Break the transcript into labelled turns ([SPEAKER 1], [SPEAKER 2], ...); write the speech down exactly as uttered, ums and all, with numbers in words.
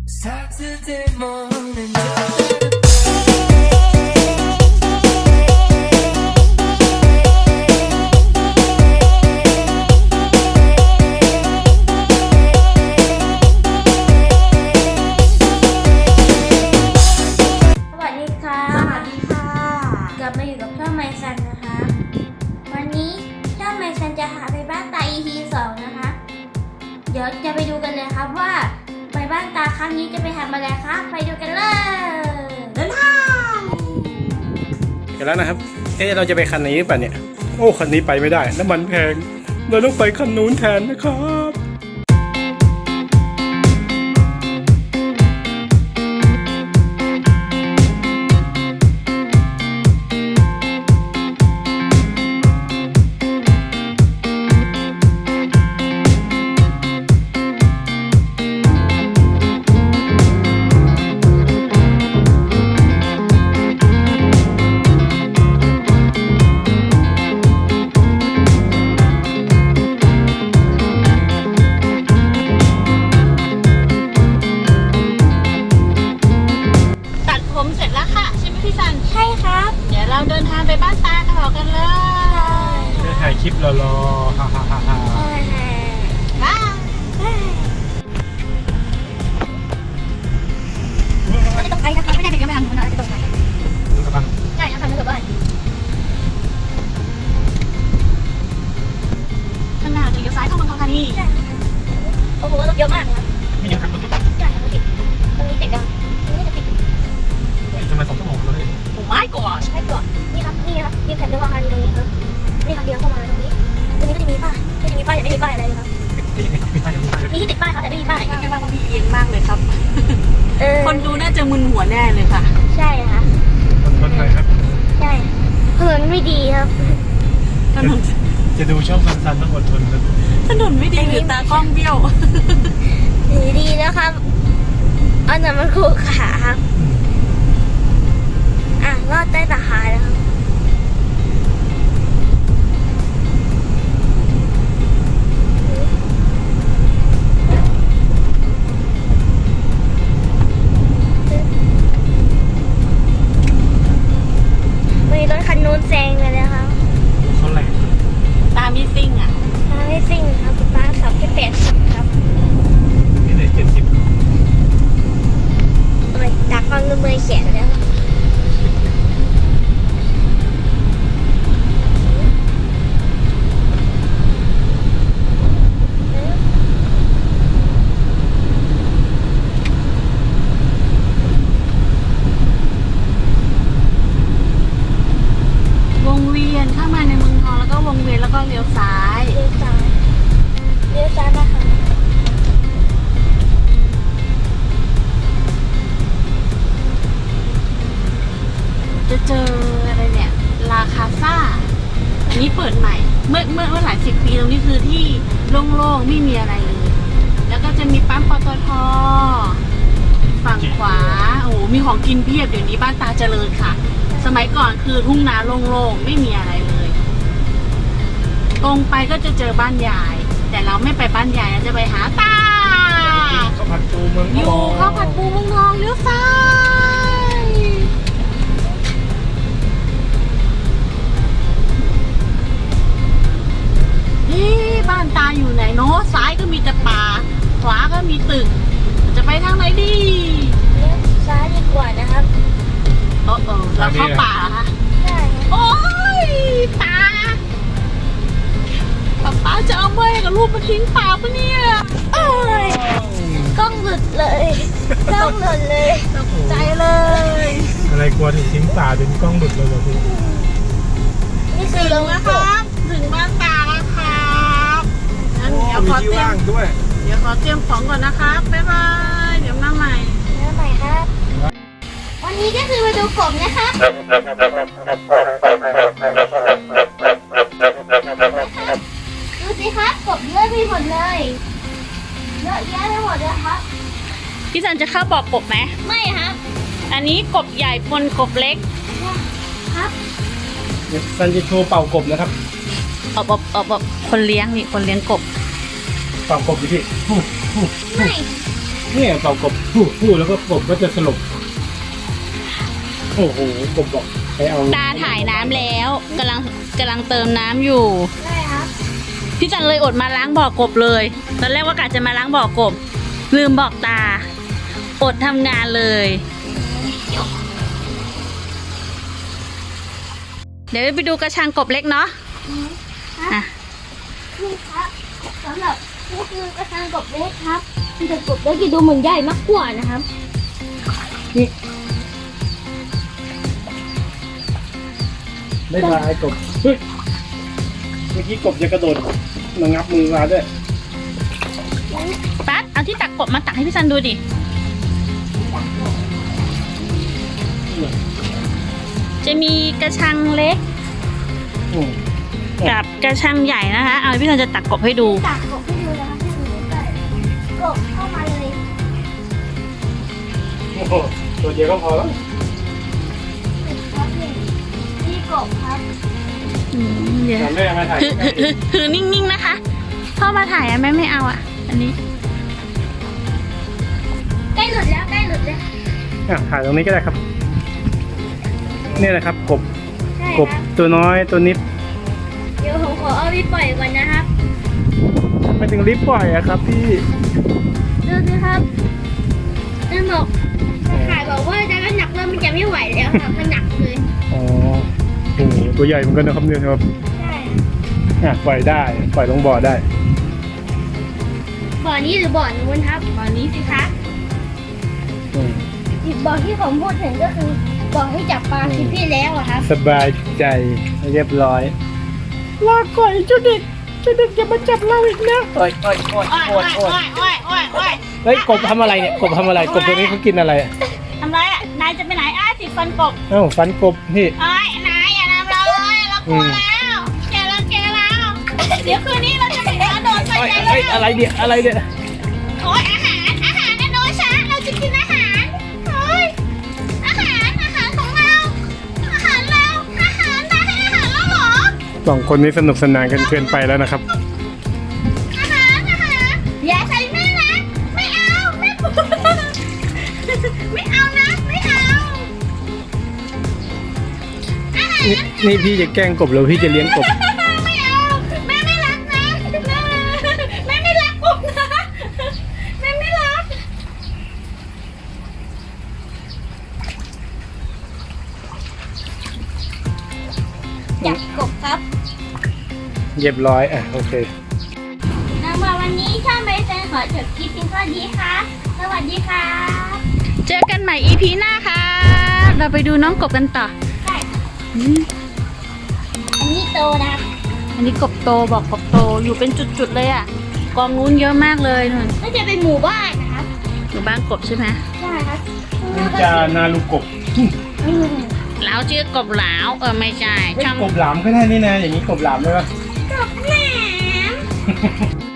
[SPEAKER 1] Saturday morning.
[SPEAKER 2] เดี๋ยวจะไปดูกันเลยครับว่าไปบ้านตาครั้งนี้จะไปทำอะไรครับไปดูกันเลยเดินทาง
[SPEAKER 3] เสร็จแล้วนะครับเอ๊ะเราจะไปคันนี้ป่ะเนี่ยโอ้คันนี้ไปไม่ได้น้ำมันแพงเราต้องไปคันนู้นแทนนะครับ
[SPEAKER 4] เราเดินทางไปบ้านตาต่อกันเลย
[SPEAKER 3] จะถ่ายคลิปรอรอฮ่าฮ่าฮ่าฮ่า
[SPEAKER 4] บ้าไม่ตกใจนะคะไม่ได้เด็กยังไม่ทำหนูนะจะตกใจใช่ยังทำไม่เกิดบ้านข้างหน้าจะเลี้ยวซ้ายเข้าเมืองทองธานีโอ้โหรถเยอะมากครับ
[SPEAKER 3] ไม่ยังขับรถติด
[SPEAKER 4] ใช่รถติดตรงนี้ติดกันตรงนี้จะติด
[SPEAKER 3] ทำไมสองชั่วโมงเลย
[SPEAKER 4] โอ้ไม่ก่อนไม่ก่อนนี่ครับนี่ครับนี่แผ่นเดินทางตรงนี้ครับนี่ทางเดียวเข้ามาตรงนี้ตรงนี้ก็จะมีป้ายก็จะมีป้ายแต่ไม่มีป้ายอะไรเลยครับมีที่ติดป้ายครับแต่ไม่มีป้ายแค่ว่ามันมีเอียงมากเลยครับคนดูน่าจะมึนหัวแน่เลยค่ะ
[SPEAKER 2] ใช่ค่ะ
[SPEAKER 3] ถนนไหนครับ
[SPEAKER 2] ใช่ถนนไม่ดีครับ
[SPEAKER 3] ถนนจะดูช่องสั้นๆต้องอดทนนะ
[SPEAKER 4] ถนนไม่ดีหรือตากล้องเบี้ยว
[SPEAKER 2] ดีดีนะครับอันนั้นมันคู่ขาครับอ่ะรอดใต้ตาหาแล้วครับมีรถคันนู้นแซงเลยนะครับ
[SPEAKER 3] เขาแหลก
[SPEAKER 4] ตาไม่ซิ่งอ่ะ
[SPEAKER 2] ตาไม่ซิ่งครับตาขับแค่แปดสิบครับ
[SPEAKER 3] นี่เลยเจ็ดสิบ
[SPEAKER 2] ทำไมจากฟังเมื่อยแขนแล้ว
[SPEAKER 4] วงเวียนเข้ามาในเมืองทองแล้วก็วงเวียนแล้วก็เลี้ยวซ้าย
[SPEAKER 2] เลี้ยวซ้ายเลี้ยวซ้ายนะคะ
[SPEAKER 4] จะเจออะไรเนี่ยลาคาซ่าอันนี้เปิดใหม่เมื่อเมื่อเมื่อหลายสิบปีตรงนี้คือที่โล่งๆไม่มีอะไรเลยแล้วก็จะมีปั๊มปตท.ฝั่งขวาโอ้มีของกินเพียบเดี๋ยวนี้บ้านตาเจริญค่ะสมัยก่อนคือทุ่งนาโล่งๆไม่มีอะไรเลยตรงไปก็จะเจอบ้านยายแต่เราไม่ไปบ้านยายเราจะไปหาตา
[SPEAKER 3] ข้าวผัดปูเมืองทอง
[SPEAKER 4] อยู่ข้าวผัดปูเมืองทองเลี้ยวซ้ายนี่บ้านตาอยู่ไหนเนาะซ้ายก็มีแต่ป่าขวาก็มีตึกจะไปทางไหนดี
[SPEAKER 2] เลี้ยวซ้ายดีกว่านะครับ
[SPEAKER 4] โอ้โหแล้วเข้าป่าเหรอคะ
[SPEAKER 2] ใช่
[SPEAKER 4] โอ้ยตาป๊าป๊าจะเอาเมื่อยกับลูกมาทิ้งป่าปะเนี่ย
[SPEAKER 2] เอ้ยกล้องหลุดเลยกล้องหลุดเลย
[SPEAKER 4] ตกใจเลย
[SPEAKER 3] อะไรกลัวถึงทิ้งป่าจนกล้องหลุดเลยเหรอพี่
[SPEAKER 2] นี่คือ
[SPEAKER 4] ถึงแล้วครับถึงบ้านตาแล้วครับงั้นเดี๋ยวขอเตรียม
[SPEAKER 3] ด้วย
[SPEAKER 4] เดี๋ยวขอเตรียมของก่อนนะครับบ๊ายบายเดี๋ยวมาใหม่
[SPEAKER 2] มาใหม่ครับวันนี้ก็คือมาดูกบนะครับดูสิครับกบเยอะไปหมดเลยเยอะแยะไปหมดเลยครับ
[SPEAKER 4] พี่จันจะเข้าบอกกบไหม
[SPEAKER 2] ไม่ครับ
[SPEAKER 4] อันนี้กบใหญ่ปนกบเล็ก
[SPEAKER 2] ครับ
[SPEAKER 3] เดี๋ยวซันจะโชว์เป่ากบนะครับ
[SPEAKER 4] เอาแบบเอาแบบคนเลี้ยงนี่คนเลี้ยงกบ
[SPEAKER 3] เป่ากบดิพี่
[SPEAKER 2] ไม่
[SPEAKER 3] เนี่ยเป่ากบฟู่ฟู่แล้วก็กบก็จะสลบโอ้โหกบบอกไปเอา
[SPEAKER 4] ตาถ่ายน้ำแล้วกำลังกำลังเติมน้ำอยู่
[SPEAKER 2] ได้ครับ
[SPEAKER 4] พี่จันเลยอดมาล้างบ่อกบเลยตอนแรกว่ากะจะมาล้างบ่อกบ ลืมบอกตา อดทำงานเลย เดี๋ยวไปดูกระชังกบเล็กเนาะอ่ะ
[SPEAKER 2] นี่ครับสำหรับนี่คือกระชังกบเล็กครับแต่กบเล็กจะดูเหมือนใหญ่มากกว่านะครับ
[SPEAKER 3] ได้ลายกบเฮ้ยเมื่อกี้กบจะกระโดดมางับมือมาด้วย
[SPEAKER 4] ปั๊ดเอาที่ตักกบมาตักให้พี่จันดูดิ จะมีกระชังเล็ก
[SPEAKER 3] อืม
[SPEAKER 4] กับกระชังใหญ่นะคะ เอาพี่จันจะตักกบให้ดู
[SPEAKER 2] ตักกบให้ดูนะครับให้ดูใกล้ๆกบเข้ามาเลย
[SPEAKER 3] โอ้โหตัวเดียวก็พอแล้ว
[SPEAKER 2] ครับนี่นี่กบครับ
[SPEAKER 4] อืมเดี๋ยว
[SPEAKER 3] แม่มาถ่าย
[SPEAKER 4] คือคือคือคือนิ่งๆนะคะพ่อมาถ่ายอะแม่ไม่เอาอะอันนี้
[SPEAKER 2] ใกล้หลุดแล้วใกล้หลุดแล้ว
[SPEAKER 3] อ่ะถ่ายตรงนี้ก็ได้ครับนี่แหละครับกบ
[SPEAKER 2] ใช่
[SPEAKER 3] กบ
[SPEAKER 2] ครับ
[SPEAKER 3] ตัวน้อยตัวนิด
[SPEAKER 2] เดี๋ยวผมขอเอาไปปล่อยก่อนนะครับ
[SPEAKER 3] ไม่ถึงรีบปล่อยอะครับพี่
[SPEAKER 2] ดูสิครับนั่นบอกตะข่ายบอกว่าจะน้ำหนักเริ่มมันจะไม่ไหวแล้วครับมันหนักเลย
[SPEAKER 3] อ๋อโอ้โหตัวใหญ่เหมือนกันนะครับเนี่ยครับ
[SPEAKER 2] ใช่
[SPEAKER 3] อ่ะปล่อยได้ปล่อยลงบ่อได้
[SPEAKER 2] บ่อนี้หรือบ่อนู้นครับบ่อนี้สิคะ
[SPEAKER 3] อืม
[SPEAKER 2] อีกบ่อที่ผมพูดถึงก็คือบ่อที่จับปลาคลิปที่แล้วอะครับ
[SPEAKER 3] สบายใจเรียบร้อยลาก่อยเจ้าเด็กเจ้าเด็กอย่ามาจับเราอีกนะโอ้ยโอ้ยโอ้ย
[SPEAKER 4] โอ้ย
[SPEAKER 3] โอ้
[SPEAKER 4] โอ้
[SPEAKER 3] ย
[SPEAKER 4] ย
[SPEAKER 3] โอ้ย
[SPEAKER 4] โอ้ยโอ้ยโอ้ยโอ้ย
[SPEAKER 3] เฮ้ยกบทำอะไรเนี่ยกบทำอะไรกบตัวนี้เขากินอะไรอะ
[SPEAKER 4] ทำไรอะนายจะไปไหนอ้าติดฟันกบ
[SPEAKER 3] เอ้าฟันกบพี่
[SPEAKER 4] เอ้ยนายอย่าทำเราเลยเรากลัวแล้วแกเราแกเราเดี๋ยวคืนนี้เราจะไปกระโดดใส่
[SPEAKER 3] เฮ้ย
[SPEAKER 4] กัน
[SPEAKER 3] เฮ้ย
[SPEAKER 4] แล้ว
[SPEAKER 3] อะไรเนี่ยอะไรเนี่ย
[SPEAKER 4] โอ้ยอาหารอาหารนะโนชาเราจะกินอาหารโอ้ยอาหารอาหารของเราอาหารเราอาหารนายให้อาหารเราเหรอ
[SPEAKER 3] สองคนนี้สนุกสนานกันเกินไปแล้วนะครับ
[SPEAKER 4] อาหารอาหารอย่าใส่แม่นะไม่เอาแม่ปุ๊บไม่เอานะไม่เอาอาหาร
[SPEAKER 3] นี่นี่พี่จะแกล้งกบหรือพี่จะเลี้ยงกบ
[SPEAKER 4] ไม่เอาแม่ไม่รักนะแม่ไม่รักปุ๊บนะแม่ไม่รัก
[SPEAKER 2] จับกบครับ
[SPEAKER 3] เรียบร้อยอ่ะโอเค
[SPEAKER 2] สำหรับวันนี้ช่างใบเตยขอจบคลิปเพียงเท่านี้ค่ะสวัสดีค่ะ
[SPEAKER 4] เจอกันใหม่ อี พี หน้าค่ะ เราไปดูน้องกบกันต่อ
[SPEAKER 2] ใช่
[SPEAKER 4] อืม
[SPEAKER 2] อันนี้โตนะครับ
[SPEAKER 4] อันนี้กบโตบอกกบโตอยู่เป็นจุดๆเลยอ่ะ กองนู้นเยอะมากเลยนุ่น
[SPEAKER 2] ก็จะเป็นหมู่บ้านนะครับ
[SPEAKER 4] อยู่บ้านกบใช่ไหม
[SPEAKER 2] ใช่ครับ
[SPEAKER 3] นินจานาลูกบ
[SPEAKER 2] อืม
[SPEAKER 4] แล้วชื่อกบหลาวเออไม่ใช่
[SPEAKER 3] ไม่
[SPEAKER 4] ช่าง
[SPEAKER 3] กบหลามก็ได้นี่นะอย่างนี้กบหลามได้ปะ
[SPEAKER 2] กบแหนม